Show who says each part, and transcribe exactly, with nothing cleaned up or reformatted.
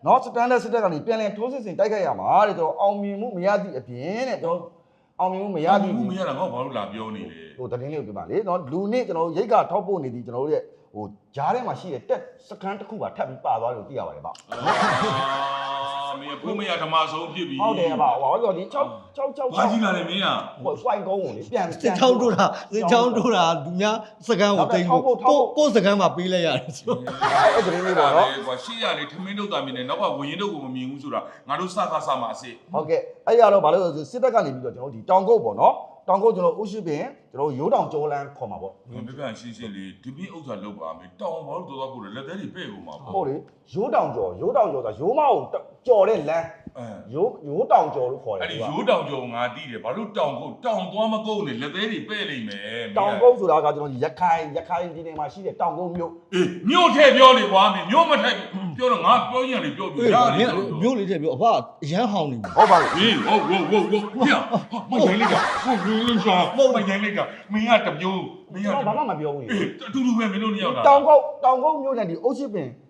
Speaker 1: နော်စတန်ဒတ်စစ်တပ်ကနေပြန်လည်ထိုးစစ်ဆင်တိုက်ခိုက်ရမှာတဲ့ကျွန်တော်အောင်မြင်မှုမရသည့်အပြင်တဲ့ကျွန်တော်အောင်မြင်မှုမရသည့်
Speaker 2: ဘူးမရတာငါဘာလို့လာပြောနေလဲ
Speaker 1: ဟိုတတင်းလေးကိုပြပါလေနော်လူနည်းကျွန်တော်ရိတ်ကထောက်ပို့နေသည်ကျွန်တော်တို့ရဲ့ဟိုဂျားထဲမှာရှိတဲ့တက်စကန်တစ်ခုပါထပ်ပြီးပါသွားတယ်လို့သိရပါတယ်ဗျ
Speaker 2: မင်းဘူးမရဓမ္မဆုံးဖြစ်ပြီ
Speaker 1: ဟုတ်တယ်ဗျဟိုတော့ဒီ6 6 6
Speaker 2: ဘာကြီးကလည်းမင်းอ่ะ
Speaker 1: ဟို point ကုန်းကိုလေပြန်
Speaker 3: စစ်ချောင်းတို့တာစစ်ချောင်းတို့တာလူများစကန်းကိုတိတ်ဖို့ကိုကိုစကန်းမှာပေးလိုက်ရတယ်ဆို
Speaker 1: အဲ့ဒီလေးပေါ့နော်
Speaker 2: ကွာရှေ့ရလေထမင်းတို့တာမြင်နေနောက်ကဝရင်တို့ကိုမမြင်ဘူးဆိုတာငါတို့စကားစမှာအစ်
Speaker 1: ဟုတ်ကဲ့အဲ့ရတော့ဘာလို့လဲဆိုစစ်တပ်ကနေပြီးတော့ကျွန်တော်ဒီတောင်ကုတ်ပေါ့နော်တောင်ကုတ်ကျွန်တော်ဥရှိပင်ကျွန်တော်ရိုးတောင်ကျော်လန်းခေါ်မှာပေါ့
Speaker 2: ဘယ်ပြပြရှင်းရှင်းလေးဒီပြီးဥစ္စာလောက်ပါမယ်တောင်ဘာလို့တော်တော်ပို့လဲလက်သေးတွေပဲ့ကုန်မှာပေါ့
Speaker 1: ဟုတ်လေရိုးတောင်ကျော်ရိုးတောင်ကျော်ဆိုတာရိုးမအောင်ကျော်တဲ့လမ်း
Speaker 2: အဲ
Speaker 1: ရိုးရိုးတောင်ကျော်လို့ခေါ်တယ်
Speaker 2: အဲ့ဒီရိုးတောင်ကြုံငါတီးတယ်ဘာလို့တောင်ကိုတောင်သွားမကုန်နဲ့လက်သေးတွေပဲ့လိမ့်မယ်
Speaker 1: တောင်ကုတ်ဆိုတာကကျွန်တော်ဒီရခိုင်ရခိုင်ပြည်နယ်မှာရှိတဲ့တောင်ကုတ်မြို့
Speaker 2: အေးမြို့ထဲပြောလေကွာမင်းမြို့မထဲပြောတော့ငါပြောရင်လေပြောပြ
Speaker 3: အေး
Speaker 2: ရတယ်
Speaker 3: မျိုးလေးတဲ့ပြောအဖအရန်ဟောင်းနေပြီ
Speaker 1: ဟုတ်ပါပြီ
Speaker 2: ဟေးဟုတ်ဟုတ်ဟုတ်ဟုတ်ပြမရိုင်းလိုက်တာဟုတ်ရိုင်းလိုက်တာမရိုင်းလိုက်တာမင်းကတမျိုးမင်းက
Speaker 1: ကျွန်တော်ဘာမှမပြောဘူးလေ
Speaker 2: အတူတူပဲမင်းတို့နှစ်ယောက်တာ
Speaker 1: တောင်ကုတ်တောင်ကုတ်မြို့နဲ့ဒီအုတ်ရှိပင်